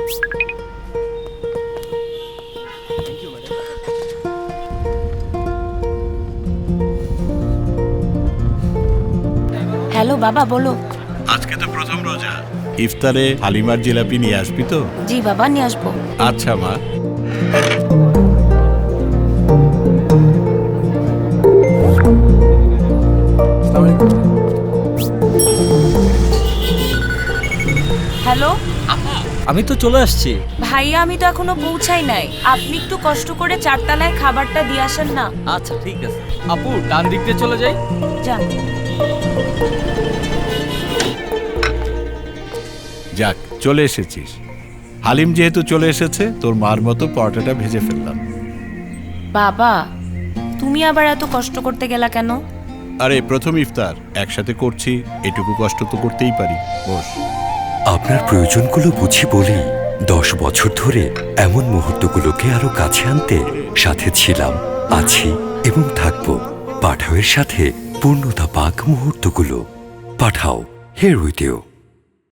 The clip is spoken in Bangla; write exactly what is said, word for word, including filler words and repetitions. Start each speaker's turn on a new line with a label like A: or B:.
A: হ্যালো বাবা, বলো।
B: আজকে তো প্রথম রোজা, ইফতারে হালিমার জিলাপি নিয়ে আসবি তো?
A: জি বাবা, নিয়ে আসবো।
B: আচ্ছা মা।
A: হ্যালো
C: আমি তো চলে আসছি।
A: ভাইয়া, আমি তো এখনো পৌঁছাই নাই। আপনি একটু কষ্ট করে চারতলায় খাবারটা দিয়ে আসেন না।
C: আচ্ছা ঠিক আছে আপু, ডান দিক দিয়ে চলে যাই।
A: যান।
B: যাক, চলে এসেছিস। হালিম যেহেতু চলে এসেছে, তোর মার মতো পরোটাটা ভেজে ফেললাম।
A: বাবা, তুমি আবার এত কষ্ট করতে গেলা কেন?
B: আরে প্রথম ইফতার একসাথে করছি, এটুকু কষ্ট তো করতেই পারি। বস।
D: আপনার প্রয়োজনগুলো বুঝি বলেই দশ বছর ধরে এমন মুহূর্তগুলোকে আরো কাছে আনতে সাথে ছিলাম, আছি এবং থাকবো। পাঠাওয়ের সাথে পূর্ণতা পাক মুহূর্তগুলো। পাঠাও, হেয়ার উইথ ইউ।